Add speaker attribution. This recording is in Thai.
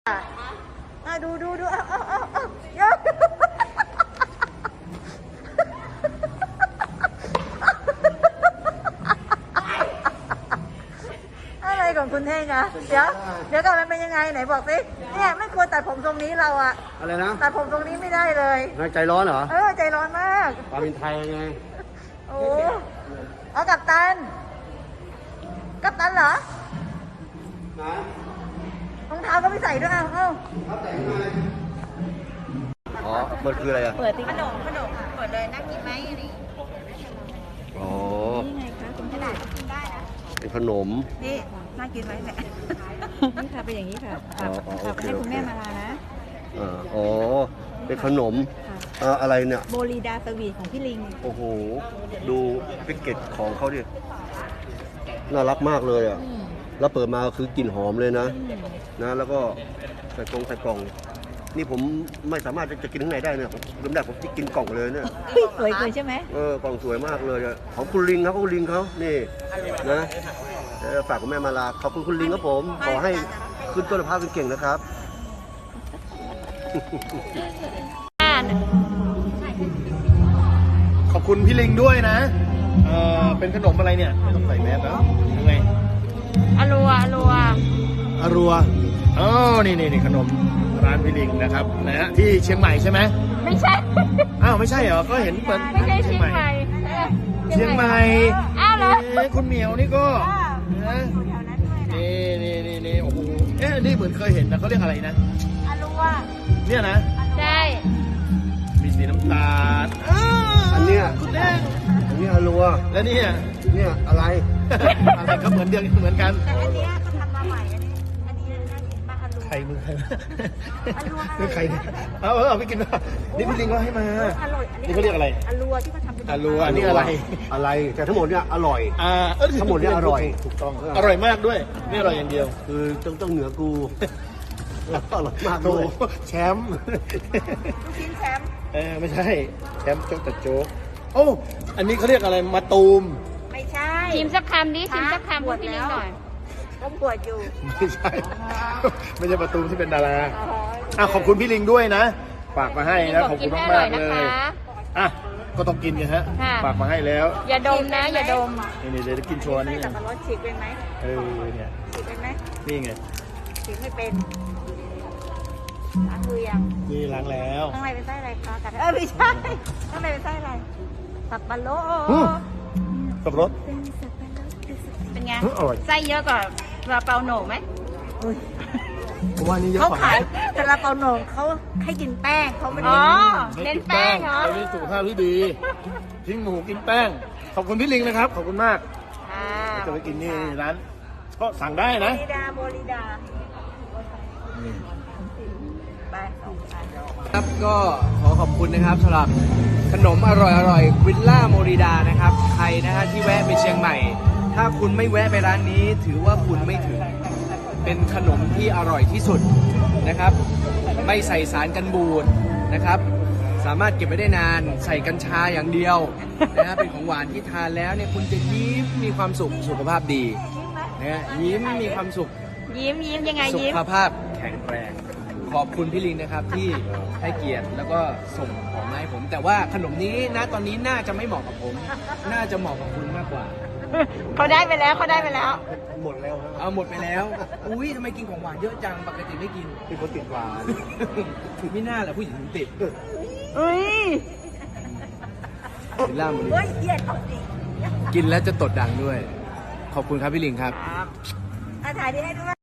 Speaker 1: ดูอะไรของคุณเท่งอะเดี๋ยวก่อนมันเป็นยังไงไหนบอกสิเนี่ยไม่ควรตัดผมทรงนี้เราอะ
Speaker 2: อะไรนะ
Speaker 1: ตัดผมทรงนี้ไม่ได้เลย
Speaker 2: ใจร้อนเหรอ
Speaker 1: ใจร้อนมาก
Speaker 2: ความเป็นไทยไง
Speaker 1: โอ้เอากัปตันเหรอรองเท้าก็ไม่ใส่ด้วย
Speaker 2: อ๋อเปิดคืออะไรอ่ะ
Speaker 1: เปิดขนมเปิดเลยนั่งกินไหมนี่
Speaker 2: อ๋อ
Speaker 1: นี่ไงคะคุณขนาดกินได้นะ
Speaker 2: เป็นขนม
Speaker 1: นี่น่ากินไหมเนี่ยนี่ค่ะเป็นอย่างนี้ค่ะฝากให้คุณแม่มาลานะ
Speaker 2: อ๋อเป็นขนมอะไรเนี่ย
Speaker 1: โบลีดาสวีทของพี่ลิง
Speaker 2: โอ้โหดูแพ็กเกจของเขาดิน่ารักมากเลยอ่ะแล้วเปิดมาคือกลิ่นหอมเลยนะแล้วก็ใส่กล่องนี่ผมไม่สามารถจะกินข้างในได้เนี่ยเริ่มแรกผมจะกินกล่องเลยเนี่ย
Speaker 1: สวยเกินใช่ไหม
Speaker 2: กล่องสวยมากเลยของคุณลิงเขานี่นะฝากคุณแม่มาลาขอบคุณลิงครับผมขอให้ขึ้นต้นภาพเก่งๆนะครับ
Speaker 3: ขอบคุณพี่ลิงด้วยนะเป็นขนมอะไรเนี่ยไม่ต้องใส่แมสแล้วยังไง
Speaker 1: อรัว
Speaker 3: อ๋อนี่ขนมร้านพี่ลิงนะครับนะฮะที่เชียงใหม่ใช่ไหม
Speaker 1: ไม่ใช่
Speaker 3: ไม่ใช่เหรอก็เห็นเปิด
Speaker 1: ไม่ใช่เชียงใหม่
Speaker 3: อ้าวเหรอคุณเหมียวนี่ก็นะนี่โอ้โหนี่เหมือนเคยเห็นนะเขาเรียกอะไรนะ
Speaker 1: อรัว
Speaker 3: เนี่ยนะ
Speaker 1: ใช่
Speaker 3: มีสีน้ำตาล
Speaker 2: อันเนี้ย
Speaker 3: คุณแดง
Speaker 2: อันนี้อรัว
Speaker 3: แล้วเนี่ย
Speaker 2: อะไร
Speaker 3: ก็เหมือนกัน
Speaker 1: แต่อันนี้เขาทำมาใหม่อันนี้มาอรัว
Speaker 3: ใครมือใครใครเอาไปกินมานี่พี่ลิงก็ให้มา
Speaker 1: อร่อย
Speaker 3: นี่เขาเรียกอะไร
Speaker 1: อรัวที่เขาทำเป็น
Speaker 3: อรัวนี่อะไร
Speaker 2: แต่ทั้งหมดเนี่ยอร่อยทั้งหมดเนี่ยอร่อย
Speaker 3: ถูกต้องอร่อยมากด้วยไม่อร่อยอย่างเดียว
Speaker 2: คือต้องเหนือกูอร่อยมากด้วย
Speaker 3: แชมป์
Speaker 1: ลูกชิ้นแชมป์
Speaker 3: ไม่ใช่แชมป์โจ๊กแต่โจ๊กโอ้อันนี้เขาเรียกอะไรมาตูม
Speaker 1: ไม่ใช่
Speaker 4: ชิมสักคำดิชิมสักคำพูดพี่ลิงหน่อย
Speaker 1: ผมปวดอยู่
Speaker 3: ไม่ใช่มาตูมที่เป็นดาราขอบคุณพี่ลิงด้วยนะฝากมาให้นะขอบคุณมากเลยก็ต้องกินกันฮะฝากมาให้แล้ว
Speaker 4: อย่าดมนะอย่าดม
Speaker 3: นี่เดี๋ยวกินโชว์นี่
Speaker 1: สับปะรดฉีกเป็นไหม
Speaker 3: เนี่ย
Speaker 1: ฉีกเป็นไหม
Speaker 3: นี่ไง
Speaker 1: ฉีกไม่เป็นล้างมือยัง
Speaker 3: นี่ล้างแล้ว
Speaker 1: ข้างในเป็นไส้อะไรคะกัดไม่ใช่ข้างในเป็นไส้อะไรสับปะรด
Speaker 3: สับปะรด
Speaker 4: เป็นไงไส้เยอะกว่าซาลาเปาโหน่งไหม
Speaker 3: ผมว่านี่เยอะ
Speaker 1: กว่าเขาขายซาลาเปาโหน่งเขาให้กินแป้งเขาไม่ได้
Speaker 4: เน้นแป้งเหรอ
Speaker 3: เป็นสุขภาพที่ดีทิ้งหมูกินแป้งขอบคุณพี่ลิงนะครับขอบคุณมากจะไปกินนี่ร้านก็สั่งได้นะ
Speaker 1: โบลิดา
Speaker 5: ครับก็ขอบคุณนะครับสำหรับขนมอร่อยวิลล่าโมริดานะครับใครนะฮะที่แวะไปเชียงใหม่ถ้าคุณไม่แวะไปร้านนี้ถือว่าคุณไม่ถึงเป็นขนมที่อร่อยที่สุดนะครับไม่ใส่สารกันบูดนะครับสามารถเก็บไว้ได้นานใส่กัญชาอย่างเดียวนะฮะเป็นของหวานที่ทานแล้วเนี่ยคุณจะยิ้มมีความสุขสุขภาพดีนะฮะยิ้มมีความสุข
Speaker 4: ยิ้มยังไง
Speaker 5: ยิ้มสุขภาพแข็งแรงขอบคุณพี่ลิงนะครับที่ให้เกียรติแล้วก็ส่งของมาให้ผมแต่ว่าขนมนี้นะตอนนี้น่าจะไม่เหมาะกับผมน่าจะเหมาะกับคุณมากกว่า
Speaker 4: เขาได้ไปแล้ว
Speaker 3: หมดแล้ว
Speaker 5: หมดไปแล้วอุ้ยทำไมกินของหวานเยอะจังปกติไม่กิน
Speaker 2: เป็นคนติดหวาน
Speaker 5: ไม่น่าแหละผู้หญิงติด
Speaker 1: วิลล่ามัน
Speaker 5: กินแล้วจะตดดังด้วยขอบคุณครับพี่ลิงครับ
Speaker 1: ถ่ายดีให้ด้วย